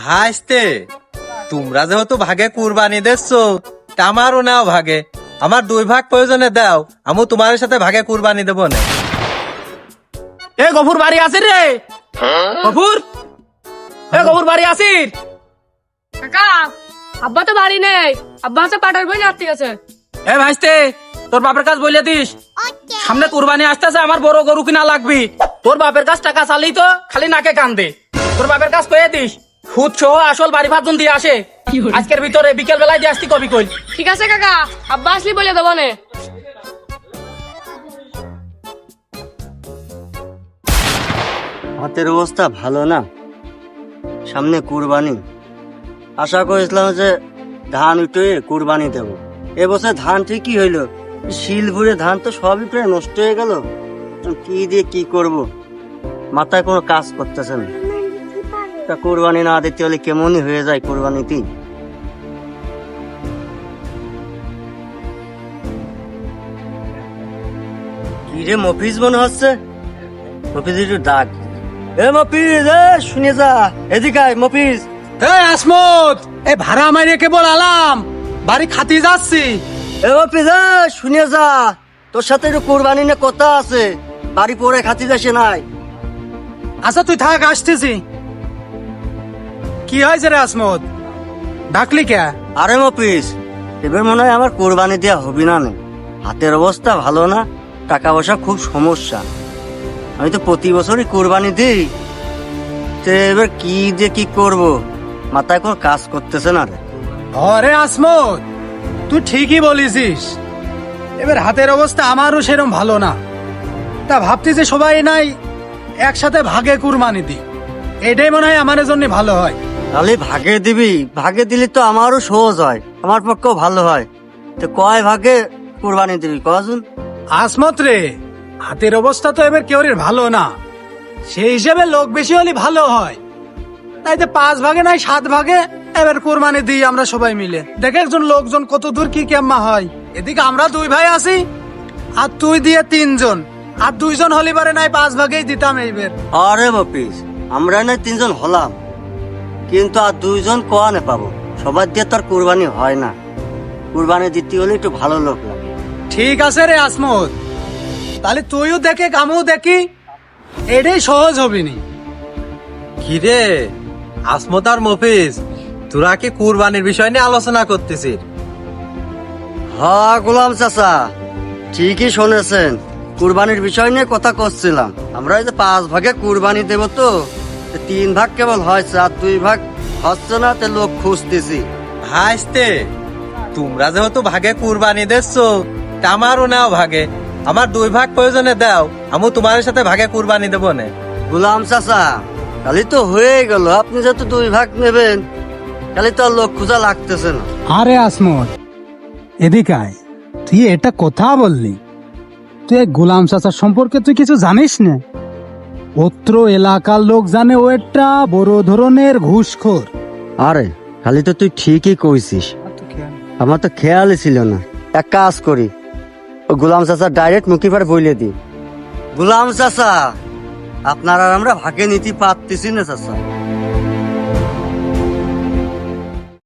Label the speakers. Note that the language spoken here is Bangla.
Speaker 1: হাসতে তোমরা যেহেতু ভাগে কুরবানি দিচ্ছ আমারও নাও ভাগে, আমার 2 ভাগ প্রয়োজনে দাও, আমি তোমার সাথে ভাগে কুরবানি দেবো না।
Speaker 2: এ গফুর বাড়ি আছে রে? গফুর, এ গফুর বাড়ি আছিস?
Speaker 3: কাকা আব্বা তো বাড়ি নেই, আব্বা হচ্ছে পাটার বই নাড়তে গেছে।
Speaker 2: এ ভাইস্তে, তোর বাপের কাছে বলে দিস সামনে কুরবানি আসতেছে, আমার বড় গরু কিনা লাগবি। তোর বাপের কাছ টাকা চালি তো খালি নাকে কান্দে। তোর বাপের কাছ কয়ে দিস সুদ সহ আসল বাড়ি ভাতজন দিয়ে আসে, আজকের ভিতরে বিকেল বেলায় দিয়ে আসতি কবি কই।
Speaker 3: ঠিক আছে কাকা, আব্বা আসলি বলে দেবো নে।
Speaker 4: হাতের অবস্থা ভালো না, সামনে কুরবানি। আশা করেছিলাম যে ধান উঠে কুরবানি দেব। এবছর ধান ঠিকই হইলো, শিল ভরে ধান তো সবই প্রায় নষ্ট হয়ে গেল। কি দিয়ে কি করব, মাথায় কোনো কাজ করতেছে না। তা কুরবানি না দিতে হলে কেমনই হয়ে যায় কুরবানিতে। কি রে মফিজ মনে হচ্ছে? মফিজ একটু ডাক। এ মফিজ, এ শুনে যা, এদিকে আয় মফিজ।
Speaker 2: এই আসমত, এই ভাড়া মারিয়ে কেবল আলাম, বাড়ি খাতি যাচ্ছি।
Speaker 4: এ মফিজ, এ শুনে যা, তোর সাথে একটু কুরবানি নিয়ে কথা আছে, বাড়ি পরে খাতি যাসে নাই।
Speaker 2: আচ্ছা তুই থাক, আসতেছি। কি হয়েছে রে আসমত, ডাকলি কে?
Speaker 4: আরে মফিজ, এবার মনে হয় আমার কুরবানি দেওয়া হবি না নে। হাতের অবস্থা ভালো না, টাকা পয়সা খুব সমস্যা। আমি তো প্রতি বছরই কুরবানি দিই, তো এবার কি দিয়ে কি করব, মাথায় কোনো কাজ করতেছে না রে।
Speaker 2: আরে আসমত, তুই ঠিকই বলেছিস, এবার হাতের অবস্থা আমারও সেরকম ভালো না। তা ভাবছি যে সবাই নাই একসাথে ভাগে কুরবানি দি, এটাই মনে হয় আমার জন্য ভালো হয়।
Speaker 4: তাহলে ভাগে দিবি, ভাগে দিলে তো আমারও সহজ হয়, আমার পক্ষেও ভালো হয়। তো কয় ভাগে কুরবানি দিবি কজন?
Speaker 2: আসমত রে, হাতের অবস্থা তো এবার কেউ ভালো না, সেই হিসেবে লোক বেশি হলে ভালো হয়। তাই তো 5 ভাগে নাই 7 ভাগে এবার কোরবানি দিই আমরা সবাই মিলে। দেখে একজন লোকজন কত দূর কি কেমা হয়। এদিকে আমরা 2 ভাই আছি, আর তুই দিয়ে 3 জন, আর 2 জন হলে পারে নাই 5 ভাগেই দিতাম এইবার।
Speaker 4: আরে বাপিস, আমরা না 3 জন হলাম, কিন্তু আর 2 জন কোয়ানে পাবো? সবার দিয়ে তো আর কুরবানি হয় না, কুরবানি দিতে হলে একটু ভালো লোক লাগে।
Speaker 2: ঠিক আছে রে আসমত, তাহলে তুইও দেখে আমিও দেখি, এটাই সহজ হবিনি।
Speaker 1: কি রে আসমত আর মফিজ, তোরা কি কুরবানির বিষয় নিয়ে আলোচনা করতেছিস?
Speaker 4: হ্যাঁ গোলাম চাচা, ঠিকই শুনেছেন, কুরবানির বিষয় নিয়ে কথা করছিলাম। আমরা এই যে 5 ভাগে কুরবানি দেব, তো 3 ভাগ কেবল হয়েছে, আর 2 ভাগ হচ্ছে না, তে লোক খুঁজতেছি।
Speaker 1: হাসতে তোমরা যেহেতু ভাগে কুরবানি দিচ্ছ আমারও নাও ভাগে, আমার 2 ভাগ প্রয়োজনে দাও, আমি তোমার সাথে ভাগে কুরবানি দেবো না।
Speaker 4: গোলাম চাচা, তাহলে তো হয়ে গেল, আপনি যেহেতু 2 ভাগ নেবেন, তাহলে তো আর লোক খোঁজা লাগতেছে না।
Speaker 5: আরে আসমত, এদিকে আয়। তুই এটা কথা বললি, তুই এই গোলাম চাচার সম্পর্কে তুই কিছু জানিস না? অত্র এলাকার লোক জানে ও একটা বড় ধরনের ঘুষখোর।
Speaker 4: আরে খালি তো তুই ঠিকই কইছিস, আমার তো খেয়ালই ছিল না। এক কাজ করি, ও গোলাম চাচা ডাইরেক্ট মুখে পারে বইলে দি। গোলাম চাচা, আপনার আর আমরা ভাগে নিতে পারতেছি না চাচা।